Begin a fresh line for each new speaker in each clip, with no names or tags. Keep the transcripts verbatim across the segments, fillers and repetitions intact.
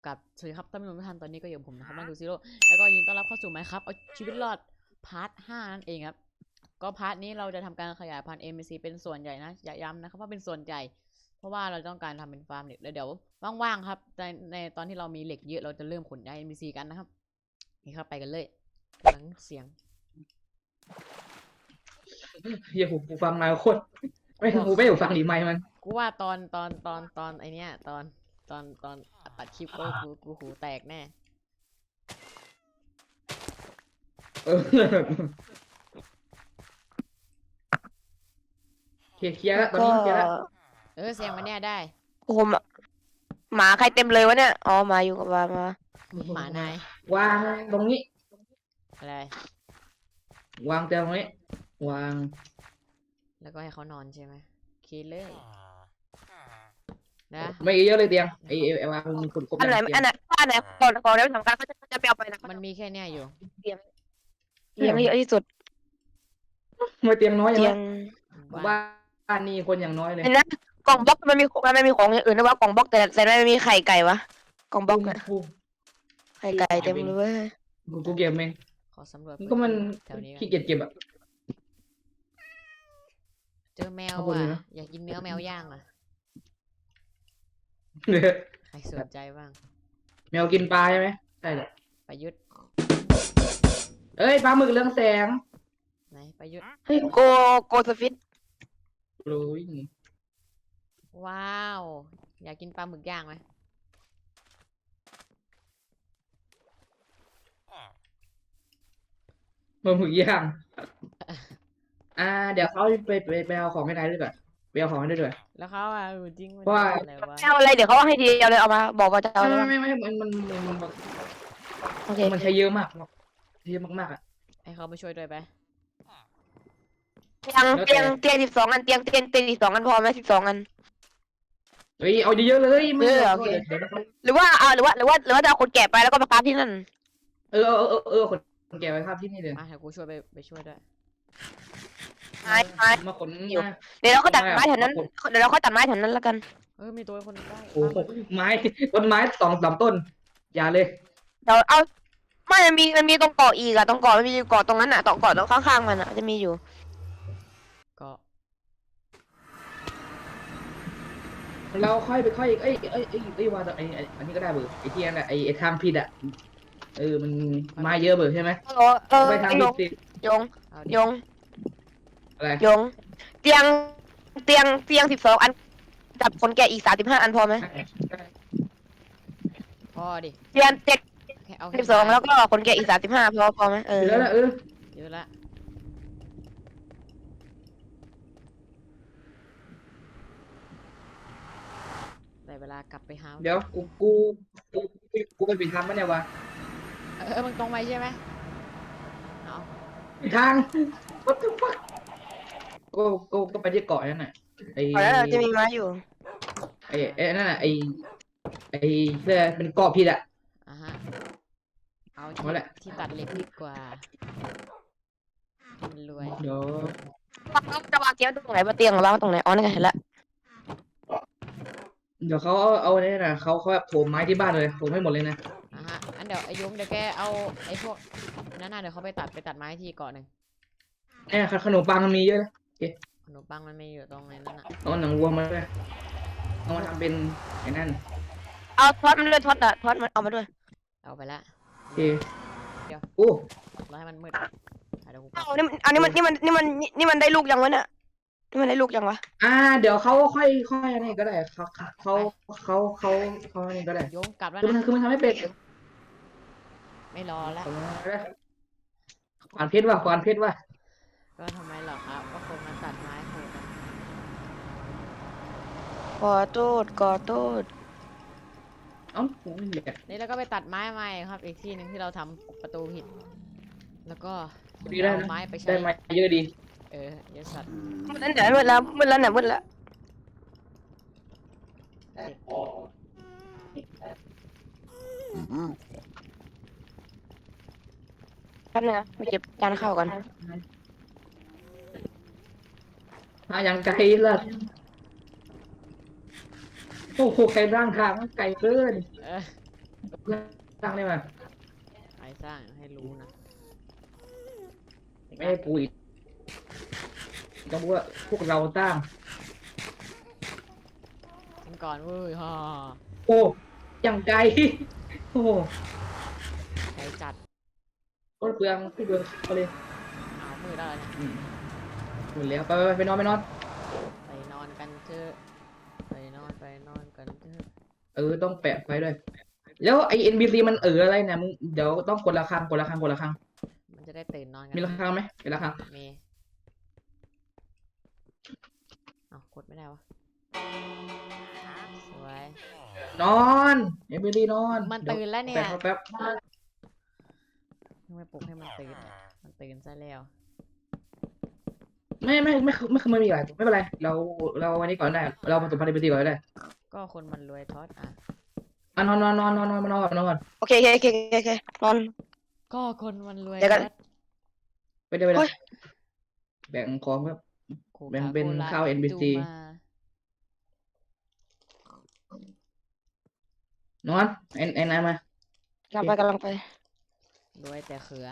กับสวัสดีครับท่านผู้ชมทุกท่านตอนนี้ก็อยู่กับผมนะครับมันดูซิโร่แล้วก็ยินดีต้อนรับเข้าสู่ไมค์ครับเอาชีวิตรอดพาร์ทห้านั่นเองครับก็พาร์ทนี้เราจะทำการขยายพันธุ์ เอ็ม บี ซี เป็นส่วนใหญ่นะอย่าย้ำนะครับว่าเป็นส่วนใหญ่เพราะว่าเราต้องการทำเป็นฟาร์มเหล็กแล้วเดี๋ยวว่างๆครับในในตอนที่เรามีเหล็กเยอะเราจะเริ่มขนย้าย เอ็ม บี ซี กันนะครับนี่ครับไปกันเลยหลังเสียง
เฮียหูหูฟังมาโคตรไม่หูไม่หูฟังดีไหมค์มัน
กูว่าตอนตอนตอนตอนไอเนี้ยตอนตอนตอนตัดคลิปก็กูกูหูแตกแน่
เออเคลียร์เคลียร์แล้วตอน
ก็
นี้เคลียร์แล้ว
เออเสียงมันเนี่ยได้
โอ้โหหมาหมาใครเต็มเลยวะเนี่ยอ๋อหมาอยู่กับหมามา
หมานาย
วางตรงนี้
อะไร
วางเตียงตรงนี้วาง
แล้วก็ให้เขานอนใช่ไหมโอเคเลยนะ
ไม่เยอะเลยเตียงไอ้ไอ้ไอ้วางมีคนครบ
อันไหน
เตียง
อันไหนอันไหนก่อนก่อนเดี๋ยวสำคัญเขาจะจะไปเอาไปนะ
มันมีแค่เนี้ยอยู่
เตียงเตียงเยอะที่สุด
มาเตียงน้อยอย่าง
เตีย
นั้
ง
นบ้านนี่คนอย่างน้อยเลย
เห็นนะกล่องบล็อกมันมีมันไม่มีของอย่างอื่นนะว่ากล่องบล็อกแต่แต่ไม่มีไข่ไก่วะกล่องบล็อกอะ
กู
ไข่ไก่เต็มเลยเว้ย
กูกูเก็บเอง
ขอสำรวจ
ก็มัน
แถวนี้ก่อน
ขี้เกียจเก็บอ่ะ
เจอแมว
เอาบนเลย
อ่ะ
นะ
อยากกินเนื้อแมวย่างอ่ะ
เนี่ย
ใครสนใจบ้าง
แมวกินปลาใช่ไหมใช่เลย
ประยุทธ์
เอ้ยปลาหมึกเรืองแสง
ไหนประยุทธ์
เฮ้ยโกโกสฟิต
โอ้ย
ว้าวอยากกินปลาหมึกย่างไหม
ปลาหมึกย่างอ่า เดี๋ยวเขาไปไปไปเอาของให้นายด้วยก่อนไปเอาของให้ด้วยด้วย
แล้วเขาอ่ะเออจริงมัน
เพราะว่า
อะไรวะ
เอาอะไรเดี๋ยวเขาเอาให้ทีเดียวเลยเอามาบอกว่าจะเอา
ไม่
อะไร
ไม่
บ้าง
ไม่ไม่มันมันมันมัน
โอเค
มันใช้เยอะมากเยอะมากๆอ่ะ
ให้เขามาช่วยด้วยไป
เตียงเตียงเตียงสิบสองอันเตียงเตียงเตียงสิบสองอันพอไหมสิบสองอัน
เฮ้ยเอาเยอะๆเลยไม่
เออ
เอา
โอเค
เดี๋ยวเขา
หรือว่าเอาหรือว่าหรือว่าหรือว่าจะเอาคนแก่ไปแล้วก็มาค้าที่นั่น
เออเออเออเออคนแก่ไว้ครับที่นี่เลย
มาเดี๋ยวกูช่วยไปไปช่วยด้วย
ไม้ไม้
มาขน
อยู่
มา
เดี๋ยวเราก็ตัดไม้แถวนั้น
ผม
เดี๋ยวเราก็ตัดไม้แถวนั้นแล้วกัน
เออมีตัวคนได้
โอ้โหไม้ต้นไม้สองสามต้น อย่าเลย
เดี๋ยวเอาไม่มันมีมันมีตรงเกาะอีกอะตรงเกาะมันมีเกาะตรงนั้นอะตรงเกาะตรงข้างๆมันอะจะมีอยู่
ก็
เราค่อยไปค่อยเอ้ยเอ้ยเอ้ยเอ้ยว่าแต่ไอ้ไอ้อันนี้ก็ได้เบอร์ไอ้ที่นั่นแหละไอ้ไอ้ทางผิดอ่ะเออมันมาเยอะเบอร์ใช่ไหม
เออเออ
ไปทาง
ไอ้ย
ผิด
ง
สิ
ยง
เอาดิ
ยง
อะไร
ยงเตียงเตียงเตียงสิบสองอันจับคนแก่อีกสามสิบห้าอันพอไหม
พอดิ
เตียงเจ็ด
แค่เอา
สิบสองแล้วก็คนแก่อีกสามสิบห้าพอพอไหมเออ
เยอะแล้วเออ
เยอะละได้เวลากลับไปหา
เดี๋ยวกูกูกูกูไปผิดทางปะเนี่ยวะ
เออเออมึงตรงไปใช่ไหมเอา
ผิดทาง what the fuck ก็ก็ก็ไปที่เกาะนั่นน่ะไอ้
พอแล้วเราจะมีไม้อยู่
ไอ้ไอ้นั่นน่ะไอ้ไอ้เสื้อเป็นเกาะผิดอ่ะ
อ่ะฮะเอาที่
เอาแหละ
ที่ตัดเหล็กดีกว่าให้มันรวย
เดี๋ยว
จะวางเตียงตรงไหนบนเตียงวางตรงไหนอ๋อนี่ไงเห็นละ
เดี๋ยวเขาเอาเอาเนี่ยนะเขาเขาแบบโถมไม้ที่บ้านเลยโถมให้หมดเลยนะ
อ่ะฮะอันเดี๋ยวไอ้ยงเดี๋ยวแกเอาไอ้พวกนั่นน่ะเดี๋ยวเขาไปตัดไปตัดไม้ที่เกาะหนึ่ง
เนี่ยขนมปังมันมีเยอะนะ
ขนมปังมันไม่อยู่ตรงไหนนั่นน่ะ
เอาหนังวัวมาด้วยเอามาทำเป็นไอ้นั่น
เอาทอดมันด้วยทอดอะทอดมันเอามาด้วย
เอาไปละ
โอเค
เดี๋ยว
โอ้
รอให้มันมืดอ่ะเดี๋ยวกูกลั
เอา
บ
นี่มันอันนี้มันนี่มันนี่มันนี่มันได้ลูกยังวะเนี่ยนี่มันได้ลูกยังวะ
อ่าเดี๋ยวเขาค่อยค่อยอะไรก็ได้เขาเขาเขาเขาเขาอะไรก็ได้
ยงกลับแล้ว
คือมัน
นะ
คือมันทำให้เป็ด
ไม่รอแล้ว
ขวานเพชรว่ะขวานเพชรว่ะ
ก็ทำไมหรอครับก็คงมาตัดไม้โหดกัน
ขอโทษขอโทษ
เอ้าโอ้ยเหล็ก
นี่แล้วก็ไปตัดไม้ใหม่ครับ อีกที่หนึ่งที่เราทำประตูผิด แล้วก็
ดีได้
เอา
นะ
ไม้ไปใช้
ได้มาเยอะดี
เออเยอะสัตว์
มืดแล้วเนี่ยมืดแล้วมืดแล้วเนี่ยมืดแล้วแป๊บนึงนะไปเก็บจานข้าวกัน
มาอย่างไกลล่ะโอ้โหไกลร่างทางมันไกลเกิน
เออ
เพื่อนสร้างได้ไหม
ใครสร้างให้รู้นะ
ไม่ให้กูอีกต้องบอกว่าพวกเราสร้าง
กันก่อนเว้ยฮ่า
โอ้ยังไกล โอ้
ใครจัด
รถเปลืองพี่เปลืองเขาเลย
เอามือได้แล้วเนี่ย
อืมหมดแล้วไปไปไปนอนไปนอน
ไปนอนกันเถอะไปนอนไปนอนกันเถอะ
เออต้องแปะไฟด้วย แล้วไอเอ็นบีซีมันเอออะไรเนี่ยมึงเดี๋ยวต้องกดระฆังกดระฆังกดระฆัง
มันจะได้ตื่นนอนกัน
มีระฆังไหมมีระฆัง
มีเอากดไม่ได้วะสวย
นอนเอ็นบีซีนอน
มัน
ดี๋ยว
ตื่นแล้วเนี่ย
แป๊บแป๊บ
ทำไมปลุกให้มันตื่นมันตื่นซะแล้ว
ไม่ไม่ไม่ไม่ไม่ไม่มีอะไรไม่เป็นไรเราเราวันนี้ก่อนได้เราผสมพันธุ์เอ็นบีซีก่อนได้
ก็คนมันรวยทอดอ่ะ
อ่ะนอนนอนนอนนอนนอนนอนก่อนนอนก่อน
โอเคโอเคโอเคโอเคนอน
ก็คนมันรวย
เดี๋ยวกัน
ทอด
ไปเดี๋ยวไป
โอ้
เดี๋ยวย แบ่งของครับ
โคค
แบ่งเป็น
โคล
ข้าว เอ็น บี ซี
ตูมาน
อนไอ้ไอ้นายมาก
ำลังไปกำลังไป
รวยแต่เขือ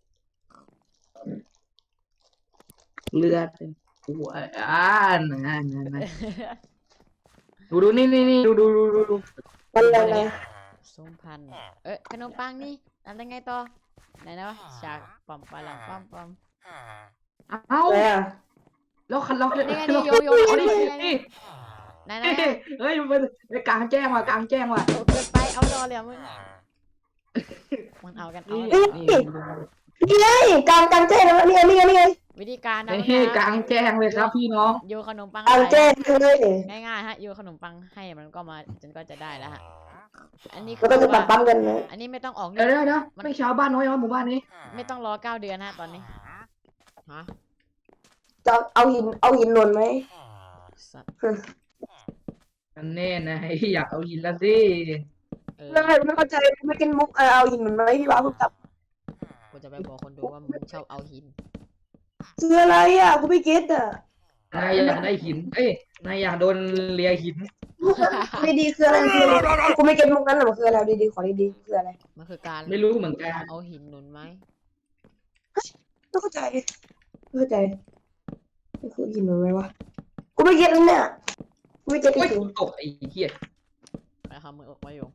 เลือดหัวอ่านะนะนะดูดูนี่นี่นี่ดูดูดูดูดู
มันอะไรนะ
ส้มพันธุ์เอ๊ะขนมปังนี่ทำได้ไงต่อไหนนะวะฉากปอมปลาหลังปอมปอม
เอ้า
อะไรอ่ะ
แล้วคันเรา
นี่ไงนี่โยโย่นี่นี่ไง
นี่
ไหนนะ
เฮ้ยมันเป็นกลางแจ้งว่ะกลางแจ้งว่ะ
โอ้เกินไปเอาดอเลยอะมึงมันเอากันเอา
นี่
กัน
นี่
นี่ไงกลางกลางแจ้งแล้วนี่ไงนี่ไงนี่ไง
วิธีการนะ
นี่กลางแจ้งเลยครับพี่น้อง
โยนขนมปัง
กลางแจ้งเลย
ง่ายๆฮะโยนขนมปังให้มันก็มาจนก็จะได้แล้วฮะอันนี้คื
มันก็จะ
ว่า
ปั๊มๆกันนะ
อันนี้ไม่ต้องออก
เดี๋ยว
นี่
เดี๋ยวเดี๋ยวไม่ชาวบ้านน้อยว่าหมู่บ้านนี้
ไม่ต้องรอเก้าเดือนฮะตอนนี้ฮะ
จะเอาหินเอาหินหล่นไหม
สัตว์
อันแน่นะอยากเอาหินละสิ
เออ
ไม่ไม่เข้าใจไม่กินมุกเออเอาหินหล่นไหมพี่บ้าพูดกับ
กูจะไปบอกคนดูว่ามึงชอบเอาหิน
คืออะไรอ่ะกูไม่เก็ตอ่ะ
นายอยากได้หินเอ้ยนายอยากโดนเลียหิน
ไม่ดีคืออะไรคืออะไรกูไม่เก็ตมุกนั้นหรอกคืออะไรดีๆขอดีๆคืออะไร
มันคือการ
ไม่รู้เหมือนกัน
เอาหินหนุนไหม
ไม่เข้าใจไม่เข้าใจมันคือหินหล่นไหมวะกูไม่เก็ตเลยเนี่ยกูไม่เก็ตจ
โอ้ย
ริง
ตกไอ้เหี้ย
ไปคำมือออกไว้อยู่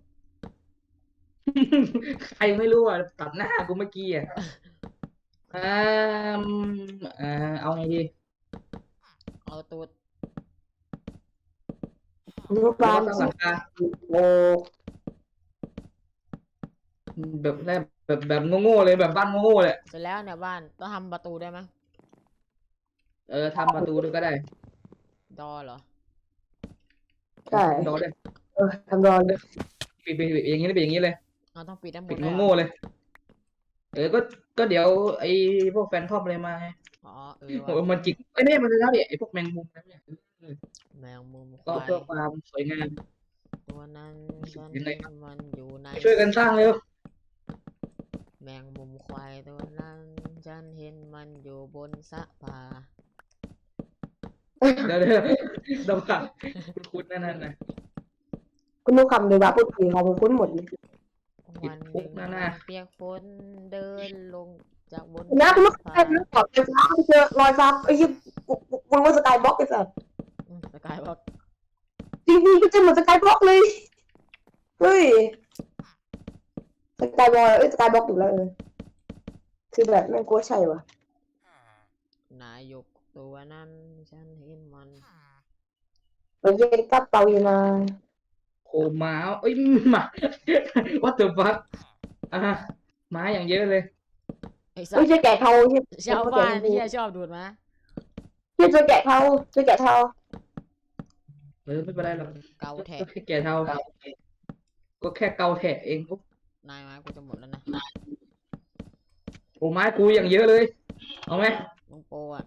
ใครไม่รู้อ่ะตัดหน้ากูเมื่อกี้อ่ะอ่าอ่าเอาไงดี
เอาตูด
ๆนุกบา
เรา
น
สร้างหลังคา
โอ้
แบบแรกแบบแบบโง่ๆเลยแบบบ้านโง่ๆเลย
เสร็จแล้วเนี่ยบ้านต้องทำประตูได้ไหม
เออทำประตูด้วยก็ได้
ดอเหรอ
ใช่
โดนเลย
เออทำรอนเลย
ปิดปิดปิดอย่างนี้เลยปิดอย่างนี้เลย
เราต้องปิดด้านบ
ปิด
นด้วยเหร
โง่
อ
ๆเลย เออก็ก็เดี๋ยวไอ้พวกแฟนทอมอะไรมาไง
อ๋อเออ
โอ้
ว่ะ
มันจิกไอ้เนี่ยมันจะเท่าดิไอ้พวกแมงมุมนั่นเนี่ย
แมงมุมค
ก็
วาย
เพื่อความสวยงาม
ตัวนั้นฉัน
ยังไง
เห็นมันอยู่ใน
ช่วยกันสร้างเร็ว
แมงมุมควายตัวนั้นฉันเห็นมันอยู่บนสะพาน
เดี๋ยวเดี๋ยวเดี๋ยวว่าคุ้นๆนั่นนั่นนะ
คุณนุกคำเดี๋ยวบ้าพูดผีของผมคุ้นหมดเลย
วันห
คุ
นึ่
ก
ง
นะนะ
เปียกฝนเดินลงจากบน
นะคุณนุก
สะ
ใคร
พาน
นุกบอกไฟฟ้าเจอรอยฟ้าไอ้ยี่กูกูกูรู้ว่าสกายบล็อกไอ้สัส
อืมสกายบอก
จริงๆก็จะเหมือนสกายบล็อกเลย เฮ้ยสกายบอลเอ้ยสกายบล็อกถูกแล้วเออคือแบบแม่งกลัวใช่วะ
นายกตัวนั้นฉันเห็นมัน
มันเย็นกับเปาอยู่นะ
โคม้าเอ้ยหมา what the fuck อ่ะม้าอย่างเยอะเลย
ไอ้สั
ไม่
ส
ใช่แกะเทาใช่
ชาวบ้านที่ชอบดูดมา
ใช่เจอแกะเทาเจอแกะเทา
เออไม่เป็นไรหรอก
เกาแทะ
ก็แค่แก่เท่าก็แค่เกาแทะเองปุ๊บ
นายมากูจะหมดแล้วนะ
โอ้ไม้กูอย่างเยอะเลย เอาไหม
มึงโปรอ่ะ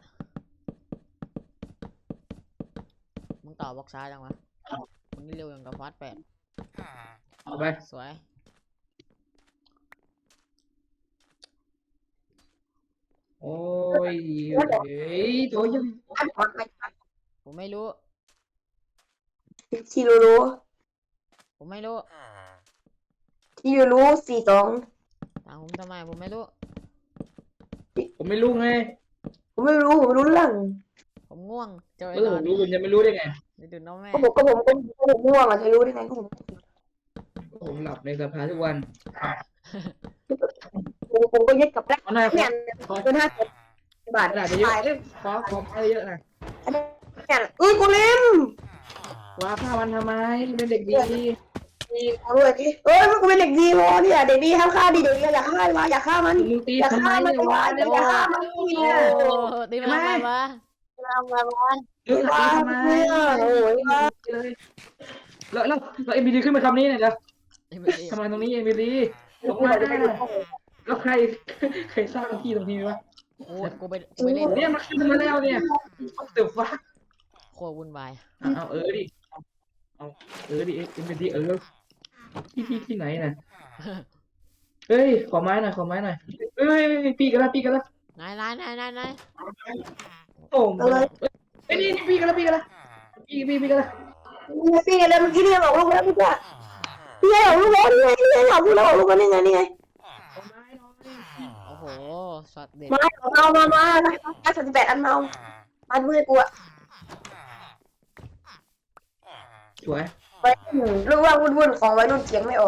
มึงต่อบล็อกซ้ายจังวะมึงนี่เร็วอย่างกับฟาสแปด
เอาไป
สวย
โอ้ยเฮ้ยตัวยัง
ผมไม่รู้
ชิโรโร
ผมไม่รู้
ที่อยู่รู้สี่สอง
ถามผมทำไมผมไม่รู้
ผมไม่รู้ไง
ผมไม่รู้ผมไม่รู้เรื่อง
ผมง่วงจะไป
เออน
อ
ผ
น
มรู้คุณจะไม่รู้ได้ไง
เดี๋ยวดูน้องแม่
ก็ผมก็ผมก็ก็ผมง่วงอ่ะจะรู้ได้ไงก็ผม
ผมหลับในสภาทุกวัน
ผมผมก็ยึดกับแรก
เอาหน่อยขอ
เนี่ย
ขอ
เป็นห้าสิบบาท
กระดาษเยอะๆขอขอไปเยอะหน่อย
เนี่ยเอ้ยกูเล่ม
ว้าผ้ามันทำไมเป็นเด็กดี
ดีเอาเลยดิเอ้ยมันกูเป็นเด็กดีพอเนี่ยเด็กดีห้ามฆ่าดิเด็กดีอย่าฆ่ามันอย่าฆ่ามัน
มึงตี
อย่า
ทำไม
ฆ่ามัน
เนี่ยวะ
อย่าฆ่ามัน
โอ้
เนี่ย
ตีมาทำไมวะ
ทำมาบ้าน
เออตีทำไม
โอ้ยว่า
เลยแล้วแล้วแล้วเอ็มบีดีขึ้นมาคำนี้เนี่ยเดี๋ยว
เอ็มบีดี
ทำไมตรงนี้เอ็มบีดีลง
กู
มา
จะไปดู
แล้วใครใครสร้างที่ตรงนี้วะ
โอ้ยกูไปกูไปเล่น
เนี่ยมันขึ้นมาแล้วเนี่ยเดือดฟ้า
โคตรวุ่นวาย
เอาเออดิเอาเออดิเอ็มบีดีเออที่ที่ที่ไหนน่ะเฮ้ยขอไม้หน่อยขอไม้หน่อยเอ้ยปีกันละปีกันละ
นายนายนายนายนาย
โอ้เอ้ยนี่ปีกันละปีกันละปีปีปีกันละ
พี่อะไรเมื่อกี้เนี่ยบอกลูกแล้วพี่จ้าพี่ไงบอกลูกแล้วนี่ไงนี่ไงบอกลูกแล้วบอกลูกแล้วนี่ไงนี่ไง
ขอไม้หน่อย
โอ้โหช็อตเด็ด
มาเอามามามาสามสิบแปดอันเมามันมือกูอะ
สวย
ไปรู้ว่าวุ่นๆของวัยรุ่นเสียงไม่ออก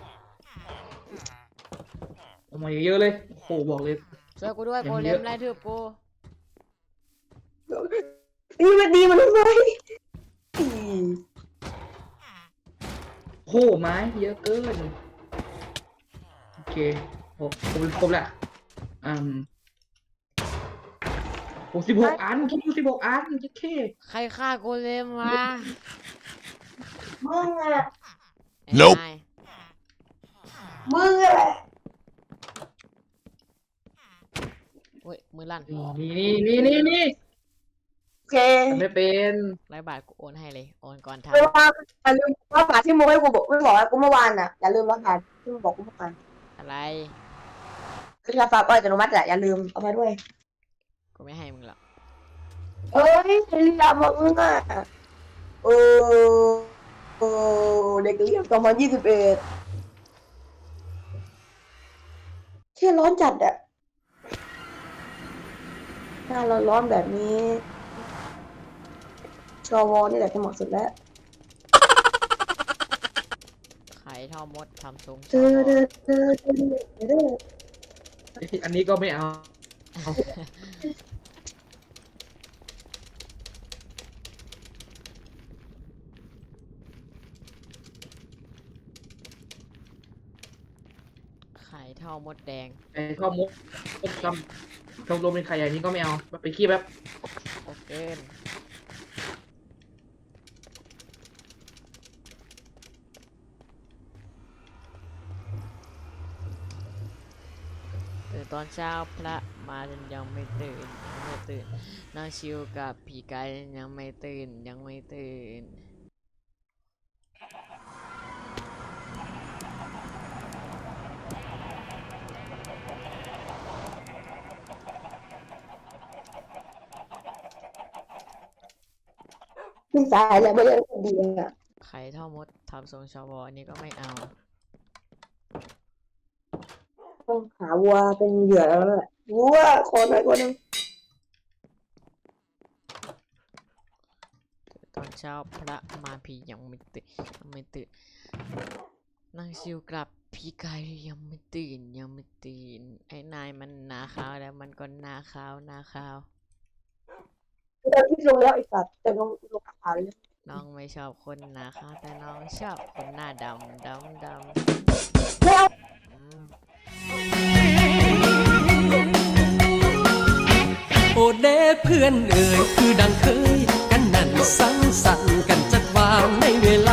ออกมาเยอะเลยโอ้โหบอกเลย
ช่วยกูด้วย
ยัง
โก
เย
เล
อะ
มไล่ทืบกู
นี่มันดีมันทำไม
โอ้โหไม้เยอะเกินโอเคโอ้ครบครบละอืมโอ้สิบหกอันคิดดูสิบหกอันจะแค่
ใครฆ่าโกเลมวะ
มึงอะ
ไอ้นาย
มึงอะ
โอ้ยมือลั่น
นี่นี่นี่นี่นี่
โอเค
ทำไม่เป็น
ร้อยบาทกูโอนให้เลยโอนก่อนท
ไม่ว่าอย่าลืมว่าฝาที่มึงให้กูบอกไม่บอกกูเมื่อวานน่ะอย่าลืมว่าฝาที่มึงบอกกูเมื่อวาน
ำอะไร
คือฝากก็อัตโนมัติอะอย่าลืมเอามาด้วย
กูไม่ให้มึงหรอก
เอ้ยเรียมึงอ่ะโอ้โอ้เด็กเรียนสองพันยี่สิบเอ็ดเที่ยร้อนจัดอะหน้าร้อนๆแบบนี้ชวนี่แหละจะเหมาะสุดแล้ว
ไข่ทอมดทำซุ้ม
เธอเธอเธอเธอเธอ
อันนี้ก็ไม่เอา
ไข่ทอมดแดง
ไอ้ข้อมุกมุกกำกำลมเป็นใครอย่างนี้ก็ไม่เอาไปขี้แบบ
โอเคตื่นตอนเช้าพระมายังไม่ตื่นยังไม่ตื่นนั่งชิวกับผีกายยังไม่ตื่นยังไม่ตื่น
ไม่สายแล้วไม่ได้ดีอ่ะ
ไข่ท่อมดทำทรงชาวอันนี้ก็ไม่เอา
ต้องหาวัวเป็นเหยื่อแล้วแหละวัวขอหน่อยคนนึง
ตอนเช้าพระมาผียังไม่ตื่นยังไม่ตื่นนั่งชิวกลับผีกายยังไม่ตื่นยังไม่ตื่นไอ้นายมันหนาขาวแล้วมันก็หนาขาวหนาขาว
เราที่ลงแล้วไอ้สัตว์แต่ลงลงขาวเลย
น้องไม่ชอบคนหนาขาวแต่น้องชอบคนหน้าดำดำด
ไม่เอา
ำอืม
โอเดเพื่อนเอ่ยคือดังเคย กันนั่นสังสรรค์กันจัดวางในเวลา